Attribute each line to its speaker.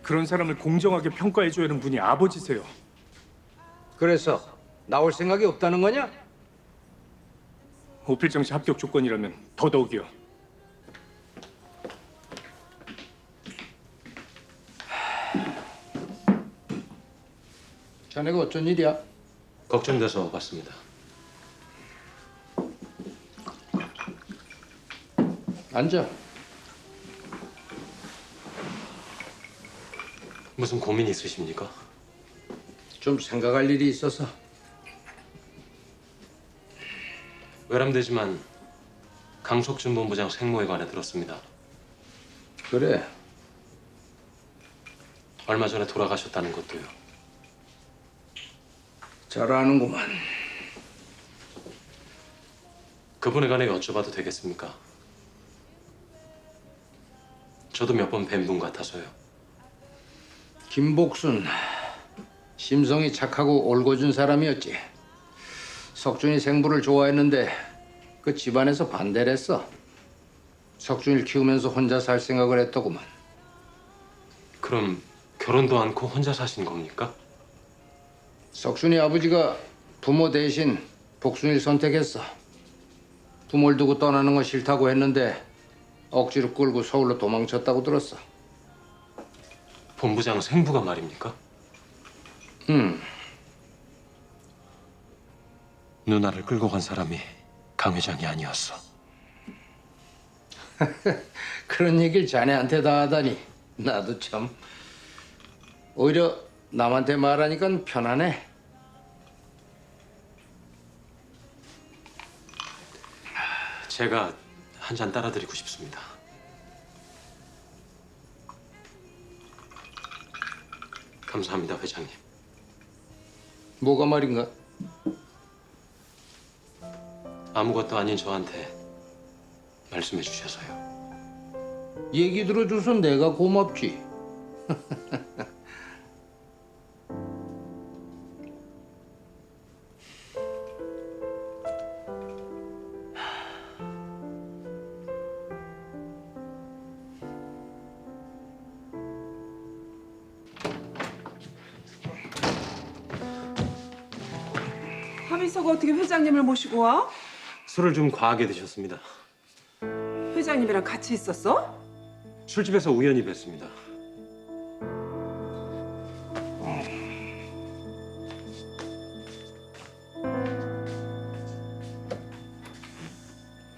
Speaker 1: 그런 사람을 공정하게 평가해줘야 하는 분이 아버지세요.
Speaker 2: 그래서 나올 생각이 없다는 거냐?
Speaker 1: 오필정 씨 합격 조건이라면 더더욱이요.
Speaker 2: 자네가 어쩐 일이야?
Speaker 3: 걱정돼서 왔습니다.
Speaker 2: 앉아.
Speaker 3: 무슨 고민이 있으십니까?
Speaker 2: 좀 생각할 일이 있어서.
Speaker 3: 외람되지만 강석준 본부장 생모에 관해 들었습니다.
Speaker 2: 그래.
Speaker 3: 얼마 전에 돌아가셨다는 것도요.
Speaker 2: 잘 아는구만.
Speaker 3: 그분에 관해 여쭤봐도 되겠습니까? 저도 몇 번 뵌 분 같아서요.
Speaker 2: 김복순. 심성이 착하고 올곧은 사람이었지. 석준이 생부를 좋아했는데 그 집안에서 반대를 했어. 석준이를 키우면서 혼자 살 생각을 했더구만.
Speaker 3: 그럼 결혼도 않고 혼자 사신 겁니까?
Speaker 2: 석준이 아버지가 부모 대신 복순이를 선택했어. 부모를 두고 떠나는 건 싫다고 했는데 억지로 끌고 서울로 도망쳤다고 들었어.
Speaker 3: 본부장 생부가 말입니까? 누나를 끌고 간 사람이 강 회장이 아니었어.
Speaker 2: 그런 얘기를 자네한테 다 하다니 나도 참. 오히려 남한테 말하니까 편하네.
Speaker 3: 제가 한 잔 따라드리고 싶습니다. 감사합니다, 회장님.
Speaker 2: 뭐가 말인가?
Speaker 3: 아무것도 아닌 저한테 말씀해 주셔서요.
Speaker 2: 얘기 들어줘서 내가 고맙지.
Speaker 4: 하민서가 어떻게 회장님을 모시고 와?
Speaker 3: 술을 좀 과하게 드셨습니다.
Speaker 4: 회장님이랑 같이 있었어?
Speaker 3: 술집에서 우연히 뵀습니다.